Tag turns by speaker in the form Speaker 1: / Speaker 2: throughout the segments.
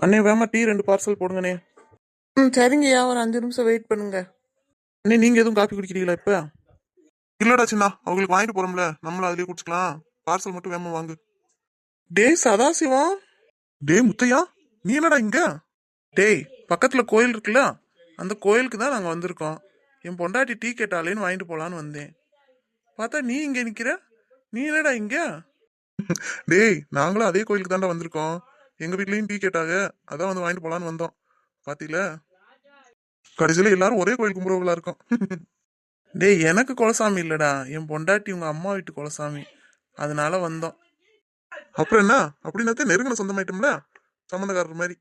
Speaker 1: அண்ணே வேமா tea 2 parcel போடுங்கண்ணே. சரிங்கய்யா, ஒரு 5 நிமிஷம் வெயிட் பண்ணுங்க. அண்ணே நீங்க எதுவும் காப்பி குடிக்கிறீங்களா இப்ப? இல்லடா சின்னா, அவங்களுக்கு வாங்கிட்டு போறோம்ல, நம்மளும் அதுலயே குடிச்சுக்கலாம். பார்சல் மட்டும் வேமா வாங்கு. டேய் சதாசிவம். டேய் முத்தையா, நீ என்னடா இங்க? டேய் பக்கத்துல கோயில் இருக்குல்ல, அந்த கோயிலுக்கு தான் நாங்க வந்திருக்கோம். என் பொண்டாட்டி டீ கேட்டாலேன்னு வாங்கிட்டு போலான்னு வந்தேன். பார்த்தா நீ இங்க நிக்கிற. நீ என்னடா இங்க? டேய் நாங்களும் அதே கோயிலுக்கு தாண்டா வந்திருக்கோம். எங்க வீட்லயும் டீ கேட்டாங்க, அதான் வந்து வாங்கிட்டு போலான்னு வந்தோம். பாத்தீங்களா, கடைசியில எல்லாரும் ஒரே கோயில் கும்புறவங்களா இருக்கும். டேய் எனக்கு குலசாமி இல்லடா, என் பொண்டாட்டி உங்க அம்மா வீட்டு குலசாமி, அதனால வந்தோம். அப்புறம் என்ன, அப்படின்னாத்தே நெருங்கின சொந்தமாயிட்டோம்ல, சம்மந்தக்காரர் மாதிரி.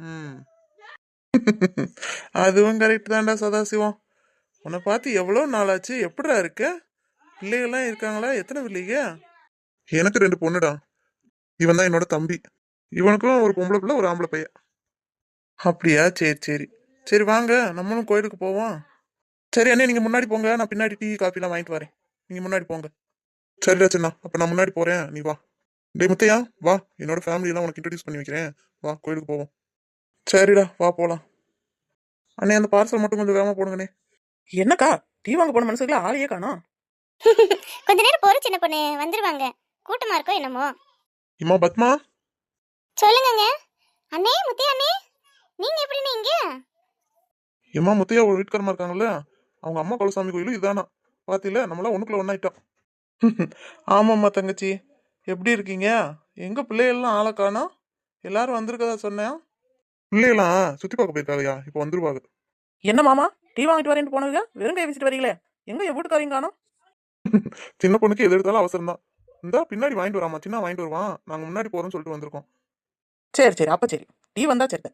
Speaker 1: அதுவும் கரெக்ட் தான்டா சதாசிவம். உன்னை பார்த்து எவ்வளோ நாளாச்சு, எப்படிடா இருக்க? பிள்ளைகள்லாம் இருக்காங்களா? எத்தனை பிள்ளைங்க? எனக்கு 2 பொண்ணுடா. இவன் தான் என்னோட தம்பி. இவனுக்கும் ஒரு பொம்பளை பிள்ளை, ஒரு ஆம்பளை பையன். அப்படியா? சரி சரி சரி, வாங்க நம்மளும் கோயிலுக்கு போவோம். சரி அண்ணே, நீங்க முன்னாடி போங்க, நான் பின்னாடி டீ காஃபிலாம் வாங்கிட்டு வரேன். நீங்க முன்னாடி போங்க. சரிடா சின்னா, அப்ப நான் முன்னாடி போறேன், நீ வா. டே முத்தையா வா, என்னோட ஃபேமிலியெல்லாம் உனக்கு இன்ட்ரடியூஸ் பண்ணி வைக்கிறேன். வா கோயிலுக்கு போவோம். சரிடா வா போலாம். அண்ணே அந்த பார்சல் மட்டும் கொஞ்சம் வேகமா போடுங்கண்ணே. என்னக்கா டீ வாங்க போன மனசுல ஆளையே காணோம்.
Speaker 2: கொஞ்ச நேரம் போற சின்ன பொண்ணு, வந்துருவாங்க. கூட்டமா இருக்கோ என்னமோ.
Speaker 1: இம்மா பத்மா.
Speaker 2: சொல்லுங்கங்க. அண்ணே முத்தி அண்ணே, நீங்க எப்படின்னு இங்க?
Speaker 1: இம்மா முத்தையா ஒரு வீட்டுக்காரமா இருக்காங்கல்ல, அவங்க அம்மா குலசாமி கோயிலும் இதானா. பாத்தில, நம்மளாம் ஒண்ணுக்குள்ள ஒன்னாயிட்டோம். ஆமாம்மா தங்கச்சி, எப்படி இருக்கீங்க? எங்க பிள்ளைகள்லாம் ஆளை காணோம்? எல்லாரும் வந்திருக்கதா சொன்னேன். பிள்ளைகளாம் சுத்தி பார்க்க போயிருக்காங்கயா, இப்போ வந்துருவாங்க. என்ன மாமா, டீ வாங்கிட்டு வரேன்னு போனதுங்க வெறும் கை வச்சுட்டு வரீங்களே, எங்க என் வீட்டுக்காரங்க காணோம்? சின்ன பொண்ணுக்கு எது எடுத்தாலும் அவசரம் தான். இந்தா பின்னாடி வாங்கிட்டு வராமா, சின்ன வாங்கிட்டு வருவான், நாங்க முன்னாடி போறோம்னு சொல்லிட்டு வந்திருக்கோம். சரி சரி, அப்ப சரி, டீ வந்தா சரி.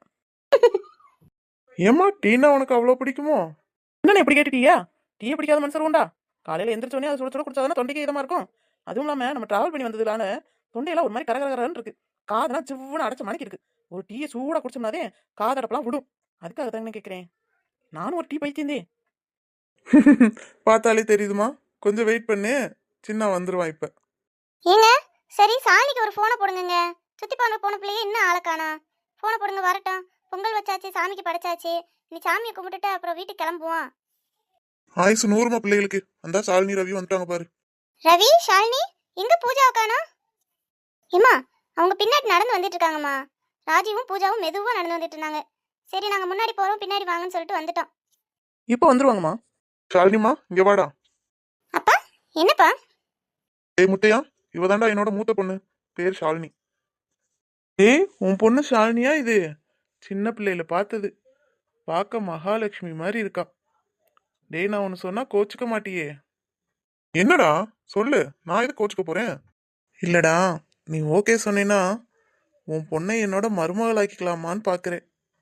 Speaker 1: ஏமா டீனா உனக்கு அவ்வளவு பிடிக்குமோ? என்ன எப்படி கேட்டுட்டியா? டீயை பிடிக்காத மனுஷர் உண்டா? காலையில எந்திரிச்சோடனே அது சுட சுட குடிச்சாதானே தொண்டைக்கு இதமா இருக்கும். அதுவும் இல்லாம நம்ம டிராவல் பண்ணி வந்ததுலான தொண்டையெல்லாம் ஒரு மாதிரி கரகரன்னு இருக்கு. காதெல்லாம் சிவ்வுன்னு அடைச்ச மணிக்கு இருக்கு. ஒரு டீயை சூடா குடிச்சோம்னாதே காதடப்பெல்லாம் விடும். அதுக்காக தானே கேட்கிறேன். நானும் ஒரு டீ பைத்தியந்தே. பார்த்தாலே தெரியுதுமா, கொஞ்சம் வெயிட் பண்ணு, சின்ன வந்துருவான் இப்ப.
Speaker 2: ஏங்க சரி, சாலிக்கு ஒரு போனை போடுங்க. சுத்தி பார்க்க போன பிள்ளையே இன்னும் ஆளை காணா. போனை போடுங்க, வரட்டும். பொங்கல் வச்சாச்சு, சாமிக்கு படைச்சாச்சு. நீ சாமியை கும்பிட்டுட்டு அப்புறம் வீட்டுக்கு கிளம்புவோம்.
Speaker 1: ஆயுசு 100 பிள்ளைகளுக்கு. அந்த ஷாலினி ரவி வந்துட்டாங்க பாரு.
Speaker 2: ரவி ஷாலினி எங்க பூஜாவை காணோம்? ஏம்மா அவங்க பின்னாடி நடந்து வந்துட்டு இருக்காங்கம்மா. ராஜீவும் பூஜாவும் மெதுவா நடந்து வந்துட்டு இருந்தாங்க. சரி நாங்க முன்னாடி போறோம், பின்னாடி வாங்கன்னு சொல்லிட்டு வந்துட்டோம்.
Speaker 1: இப்போ வந்துருவாங்கம்மா. ஷாலினிமா இங்க வாடா.
Speaker 2: அப்பா என்னப்பா?
Speaker 1: ஏய் முத்தையா, இவதாண்டா என்னோட மூத்த பொண்ணு, பேர் ஷாலினி. ஏய் உன் பொண்ணு ஷாலினியா இது? சின்ன பிள்ளையில பார்த்தது, பார்க்க மகாலட்சுமி மாதிரி இருக்கா. டேய் நான் ஒன்னு சொன்னா கோச்சுக்க மாட்டியே? என்னடா சொல்லு, நான் எது கோச்சுக்க போறேன்? இல்லடா, நீ ஓகே சொன்னீன்னா உன் பொண்ணை என்னோட மருமகளாக்கிக்கலாமான்னு பாக்குறேன்.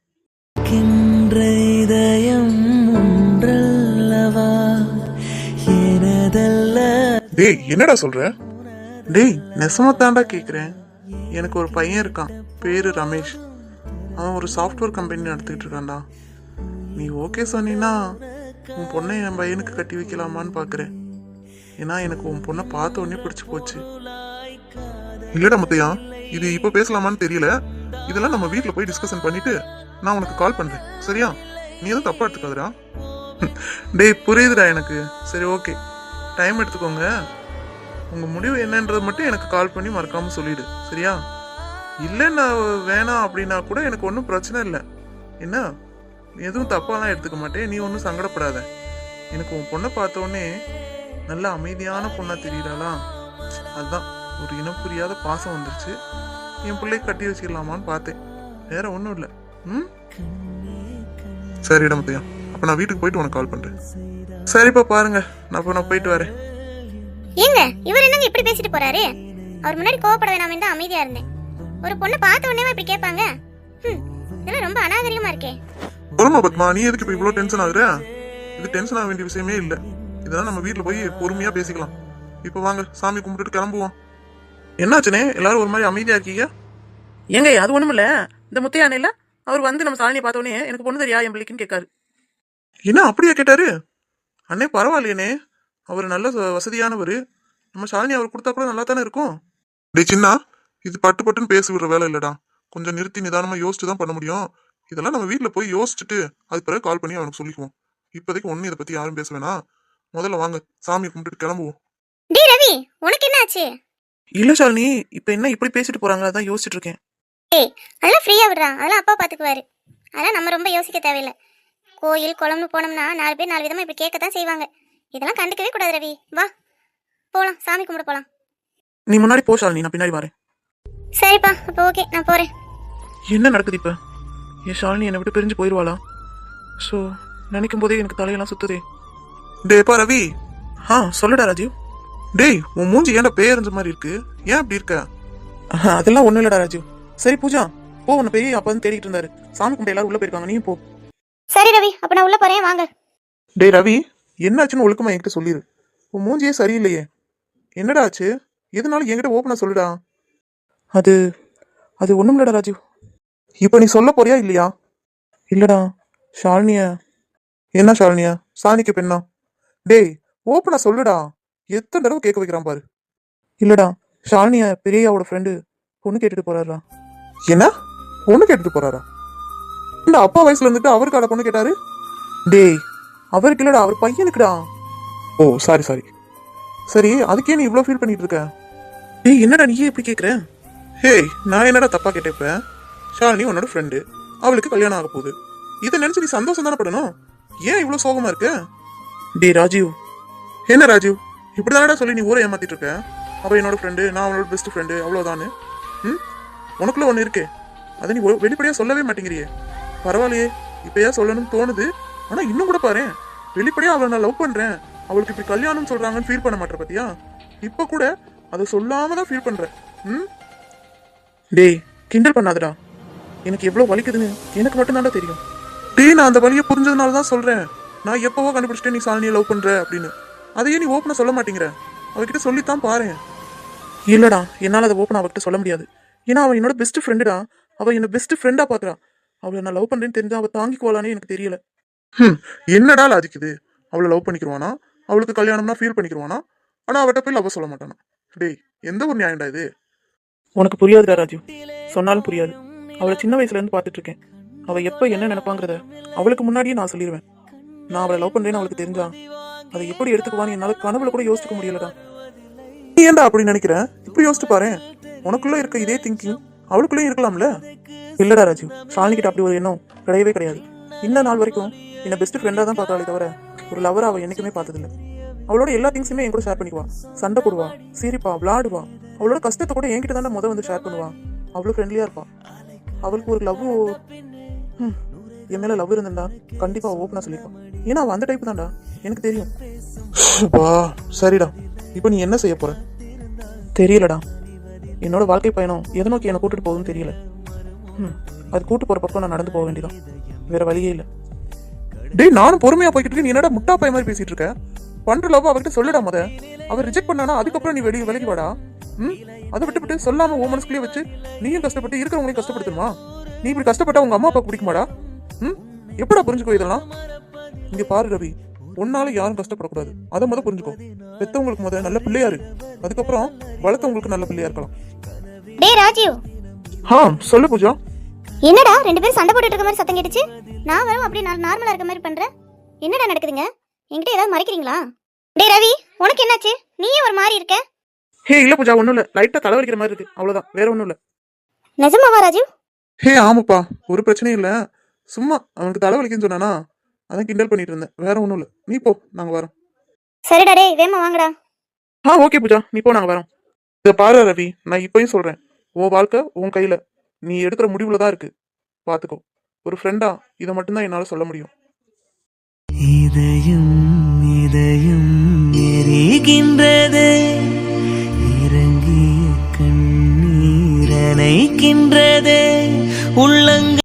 Speaker 1: டேய் என்னடா சொல்ற? டேய் நெசமத்தாண்டா கேக்குறேன். எனக்கு ஒரு பையன் இருக்கான், பேரு ரமேஷ். அவன் ஒரு சாஃப்ட்வேர் கம்பெனி நடத்திட்டு இருக்கான்டா. நீ ஓகே சொன்னீன்னா உன் பொண்ணை என் பையனுக்கு கட்டி வைக்கலாமான்னு பாக்குறேன். ஏன்னா எனக்கு உன் பொண்ணை பார்த்த உடனே பிடிச்சு போச்சு. இல்லடா முத்தையா, இது இப்ப பேசலாமான்னு தெரியல. இதெல்லாம் நம்ம வீட்டுல போய் டிஸ்கஷன் பண்ணிட்டு நான் உனக்கு கால் பண்றேன், சரியா? நீ எதுவும் தப்பா எடுத்துக்காதடா. டேய் புரியுதுடா எனக்கு. சரி ஓகே, டைம் எடுத்துக்கோங்க. உங்க முடிவு என்னன்றது மட்டும் எனக்கு கால் பண்ணி மறக்காம சொல்லிடு, சரியா? இல்லைன்னா வேணாம் அப்படின்னா கூட எனக்கு ஒன்றும் பிரச்சனை இல்லை. என்ன, எதுவும் தப்பாலாம் எடுத்துக்க மாட்டேன், நீ ஒன்றும் சங்கடப்படாத. எனக்கு உன் பொண்ணை பார்த்த உடனே நல்ல அமைதியான பொண்ணா தெரியறாளா, அதுதான் ஒரு இனம் புரியாத பாசம் வந்துருச்சு. என் பிள்ளை கட்டி வச்சிடலாமான்னு பார்த்தேன், வேற ஒன்றும் இல்லை. ம் சரிடா முத்தையா, அப்போ நான் வீட்டுக்கு போயிட்டு உனக்கு கால் பண்றேன். சரிப்பா பாருங்க, நான் போயிட்டு வரேன்.
Speaker 2: ஏங்க இவர் என்னங்க இப்படி பேசிட்டு போறாரு? அவர் முன்னாடி கோவப்பட வேணாமே தான் அமைதியா இருந்தேன். ஒரு பொண்ணை பார்த்த உடனே இப்படி கேட்பாங்க? இதெல்லாம் ரொம்ப அநாகரிகமா இருக்கே.
Speaker 1: பொறுமா பத்மா, நீ எதுக்கு இப்போ இவ்வளோ டென்ஷன் ஆகுற? இது டென்ஷன் ஆக வேண்டிய விஷயமே இல்லை. இதெல்லாம் நம்ம வீட்டில் போய் பொறுமையா பேசிக்கலாம். இப்போ வாங்க சாமி கும்பிட்டுட்டு கிளம்புவோம். என்னாச்சுனே எல்லாரும் ஒரு மாதிரி அமைதியா இருக்கீங்க? ஏங்க அது ஒண்ணும் இல்ல, இந்த முத்தையானே இல்ல, அவர் வந்து நம்ம சாலினியை பார்த்தோன்னே எனக்கு பொண்ணு தெரியா என் பிள்ளைக்குன்னு கேட்காரு. என்ன அப்படியா கேட்டாரு? அண்ணே பரவாயில்லையனே, அவர் நல்ல வசதியானவர். நம்ம ஷாலினி அவர் கொடுத்தா கூட நல்லா தானே இருக்கும். டே சின்னா, இது பட்டு பட்டுன்னு பேசி விடுற வேலை இல்லடா. கொஞ்சம் நிறுத்தி நிதானமா யோசிச்சு தான் பண்ண முடியும். இதெல்லாம் நம்ம வீட்ல போய் யோசிச்சுட்டு அது பிறகு கால் பண்ணி அவனுக்கு சொல்லிக்குவோம். இப்போதைக்கு ஒன்னும் இதை பத்தி யாரும் பேச வேணாம். முதல்ல வாங்க சாமியை கும்பிட்டுட்டு கிளம்புவோம்.
Speaker 2: டேய் ரவி, உனக்கு என்ன ஆச்சு?
Speaker 3: இல்ல ஷாலினி, இப்ப என்ன இப்படி பேசிட்டு போறாங்க, அதான் யோசிச்சுட்டு இருக்கேன்.
Speaker 2: ஏய், அதெல்லாம் ஃப்ரீயா விடுறா, அதெல்லாம் அப்பா பாத்துக்குவாரு. அதெல்லாம் நம்ம ரொம்ப யோசிக்க தேவையில்லை. கோயில் குளம்னு போனோம்னா 4 பேர் 4 விதமா இப்படி கேட்கத்தான் செய்வாங்க. இதெல்லாம் கண்டுக்கவே கூடாது ரவி. வா போலாம், சாமி கும்பிட போலாம்.
Speaker 3: நீ முன்னாடி போ ஷாலினி, நான் பின்னாடி வரேன்.
Speaker 2: சரிப்பா, அப்போ ஓகே, நான் போறேன்.
Speaker 3: என்ன நடக்குது இப்ப? என் ஷாலினி என்னை விட்டு பிரிஞ்சு போயிடுவாளா? ஸோ நினைக்கும் போதே எனக்கு தலையெல்லாம் சுத்துதே.
Speaker 1: டேப்பா ரவி.
Speaker 3: சொல்லுடா ராஜீவ்.
Speaker 1: டேய், உன் மூஞ்சி ஏன்டா பேயறிஞ்ச மாதிரி இருக்கு? ஏன் அப்படி இருக்க?
Speaker 3: அதெல்லாம் ஒண்ணும் இல்லடா ராஜீவ். சரி பூஜா, போ, உன்னை பெரிய அப்பா வந்து தேடிட்டு இருந்தாரு. சாமி கும்பிட்டு எல்லாரும் உள்ள போயிருக்காங்க, நீயும் போ.
Speaker 2: சரி ரவி, அப்ப நான் உள்ள போறேன், வாங்க.
Speaker 1: டேய் ரவி, என்னாச்சுன்னு ஒழுக்கமா என்கிட்ட சொல்லிடு. உன் மூஞ்சியே சரியில்லையே. என்னடா ஆச்சு? எதனால என்கிட்ட ஓப்பனா சொல்லுடா.
Speaker 3: அது அது ஒண்ணும் இல்லடா ராஜீவ்.
Speaker 1: இப்ப நீ சொல்ல போறியா இல்லையா?
Speaker 3: இல்லடா, ஷாலினிய.
Speaker 1: என்ன ஷாலினியா? சாணிக்கு பெண்ணா? டேய், ஓப்பனா சொல்லுடா. எத்தனை தடவை கேட்க வைக்கிறான் பாரு.
Speaker 3: இல்லடா, ஷாலினிய பெரியாவோட ஃப்ரெண்டு பொண்ணு கேட்டுட்டு போறாரா.
Speaker 1: என்ன பொண்ணு கேட்டுட்டு போறாரா? இந்த அப்பா வயசுல இருந்துட்டு அவருக்கான பொண்ணு கேட்டாரு?
Speaker 3: டேய், அவருக்கு இல்லடா, அவர் பையனுக்குடா.
Speaker 1: ஓ சாரி. சரி, அதுக்கே நீ இவ்ளோ ஃபீல் பண்ணிட்டு இருக்க?
Speaker 3: டேய், என்னடா நீயே எப்படி கேக்குற?
Speaker 1: ஹேய், நான் என்னடா தப்பா கேட்டேன்? ஷாலினி உன்னோட ஃப்ரெண்டு, அவளுக்கு கல்யாணம் ஆக போகுது. இதை நினைச்சு நீ சந்தோஷம் தானே படணும். ஏன் இவ்வளவு சோகமா இருக்க?
Speaker 3: டேய் ராஜீவ்.
Speaker 1: என்ன ராஜீவ், இப்படிதானடா சொல்லி நீ ஊரை ஏமாத்திட்டு இருக்க? அவ என்னோட ஃப்ரெண்டு, நான் அவளோட பெஸ்ட் ஃப்ரெண்டு, அவ்வளவுதானு. உனக்குள்ள ஒண்ணு இருக்கே, அதை நீ வெளிப்படையா சொல்லவே மாட்டேங்கிறியே. பரவாயில்லையே, இப்பயா சொல்லணும்னு தோணுது. ஆனா இன்னும் கூட பாரு, வெளிப்படையா அவளை நான் லவ் பண்றேன், அவளுக்கு இப்படி கல்யாணம் சொல்றாங்கன்னு ஃபீல் பண்ண மாட்டேற பாத்தியா? இப்ப கூட அதை சொல்லாம தான் ஃபீல் பண்ற.
Speaker 3: டேய், கிண்டல் பண்ணாதடா. எனக்கு எவ்வளவு வலிக்குதுன்னு எனக்கு மட்டும் தான்டா தெரியும்.
Speaker 1: டேய், நான் அந்த வழியை புரிஞ்சதுனால தான் சொல்றேன். நான் எப்பவோ கண்டுபிடிச்சிட்டேன் நீ சாலினியை லவ் பண்ற அப்படின்னு. அதையே நீ ஓப்பனா சொல்ல மாட்டேங்கிற. அவகிட்ட சொல்லித்தான் பாரு.
Speaker 3: இல்லடா, என்னால அதை ஓப்பன் அவகிட்ட சொல்ல முடியாது. ஏன்னா அவன் என்னோட பெஸ்ட் ஃப்ரெண்டுடா. அவ என்ன பெஸ்ட் ஃப்ரெண்டா பாக்குறா. அவளை நான் லவ் பண்றேன்னு தெரிஞ்சா அவ தாங்கிக்குவாளானே எனக்கு தெரியல.
Speaker 1: என்னடா லாஜிக்குது? அவளை லவ் பண்ணிக்கிறவானா? அவளுக்கு கல்யாணம்னா ஃபீல் பண்ணிக்கிறவானா? ஆனா அவட்ட போய் லவ் சொல்ல மாட்டானா? டேய், எந்த ஒரு நியாயம்டா இது?
Speaker 3: உனக்கு புரியாதுடா ராஜீவ், சொன்னாலும் புரியாது. அவளை சின்ன வயசுல இருந்து பாத்துட்டு இருக்கேன். அவ எப்ப என்ன நினைப்பாங்கிறத அவளுக்கு முன்னாடியே நான் சொல்லிடுவேன். நான் அவளை லவ் பண்றேன்னு அவளுக்கு தெரிஞ்சா அதை எப்படி எடுத்துக்குவான்னு என்னால கனவுல கூட யோசிக்க முடியலடா.
Speaker 1: நீ ஏன்டா அப்படி நினைக்கிற? இப்படி யோசிச்சு பாரு. உனக்குள்ள இருக்க இதே திங்கிங் அவளுக்குள்ளேயும் இருக்கலாம்ல.
Speaker 3: இல்லடா ராஜீவ், ஷாலினி கிட்ட அப்படி ஒரு எண்ணம் கிடையவே கிடையாது. இந்த நாள் வரைக்கும் என்ன பெஸ்ட் ஃப்ரெண்டா தான் பார்த்தாலே தவிர ஒரு லவரா அவ என்னைக்குமே பார்த்ததில்ல. அவளோட எல்லா திங்ஸுமே என் கூட ஷேர் பண்ணிக்குவா. சண்டை போடுவா, சிரிப்பா, விளாடுவா. அவளோட கஷ்டத்தை கூட என்கிட்ட தானே வந்து ஷேர் பண்ணுவா. அவ்வளோ ஃப்ரெண்ட்லியா இருப்பா. அவளுக்கு ஒரு லவ், என் மேல லவ் இருந்தா கண்டிப்பா ஓப்பனா சொல்லிருப்பான். ஏன்னா அவன் அந்த டைப் தான்டா, எனக்கு தெரியும்.
Speaker 1: சரிடா, இப்போ நீ என்ன செய்ய போற?
Speaker 3: தெரியலடா. என்னோட வாழ்க்கை பயணம் எதை நோக்கி என்னை கூட்டிட்டு போகுதுன்னு தெரியல. அது கூட்டு போற பக்கம் நான் நடந்து போக வேண்டியதான், வேற வழியே இல்லை.
Speaker 1: டேய், நானும் பொறுமையா போய்கிட்டு இருக்கேன். நீ என்னடா முட்டா பைய மாதிரி பேசிட்டு இருக்க? பண்ற லவ் அவகிட்ட சொல்லிடா. அவர் ரிஜெக்ட் பண்ணானா அதுக்கப்புறம் நீ விலகி வாடா. அதை விட்டு சொல்லாம உன் மனசுக்குள்ளே வச்சு நீயும் கஷ்டப்பட்டு இருக்கிறவங்களையும் கஷ்டப்படுத்தணுமா? நீ இப்படி கஷ்டப்பட்டா உங்க அம்மா அப்பா பிடிக்குமாடா? எப்படா புரிஞ்சுக்கோ இதெல்லாம்? இங்க பாரு ரவி, உன்னால யாரும் கஷ்டப்படக்கூடாது. அதை புரிஞ்சுக்கோ. பெத்தவங்களுக்கு நல்ல பிள்ளையா இரு, அதுக்கப்புறம் வளர்த்தவங்களுக்கு நல்ல பிள்ளையா இருக்கலாம்.
Speaker 2: டேய் ராஜீவ்.
Speaker 1: சொல்லு பூஜா.
Speaker 2: என்னடா ரெண்டு பேரும் சண்டை போட்டுட்டு இருக்க மாதிரி சத்தம் கேட்டுச்சு? நான் வரும் அப்படியே நார்மலா இருக்க மாதிரி பண்றேன். என்னடா நடக்குதுங்க? என்கிட்ட ஏதாவது மறைக்கிறீங்களா? டேய் ரவி, உனக்கு என்னாச்சு? நீயே ஒரு மாதிரி இருக்க.
Speaker 3: ஹே இல்ல பூஜா, ஒண்ணும் இல்ல, லைட்டா தலைவலிக்கிற மாதிரி இருக்கு, அவ்வளவுதான், வேற ஒண்ணும் இல்ல.
Speaker 2: நிஜமாவா ராஜீவ்?
Speaker 1: ஆமாப்பா, ஒரு பிரச்சனையும் இல்ல. சும்மா அவனுக்கு தலைவலிக்குன்னு சொன்னானா, அதான் கிண்டல் பண்ணிட்டு இருந்தேன், வேற ஒண்ணும் இல்ல. நீ போ, நாங்க வரோம்.
Speaker 2: சரிடா, டேய் வேமா வாங்கடா.
Speaker 3: ஓகே பூஜா, நீ போ, நாங்க வரோம்.
Speaker 1: இத பாரு ரவி, நான் இப்பயும் சொல்றேன், உன் வாழ்க்கை உன் கையில, நீ எடுக்கிற முடிவுல தான் இருக்கு. பாத்துக்கோ. ஒரு ஃப்ரெண்டா இதை மட்டும்தான் என்னால சொல்ல முடியும்.
Speaker 4: இதயம் எரிகின்றதே, இறங்கிய கண்ணீர் அணைக்கின்றதே உள்ளங்க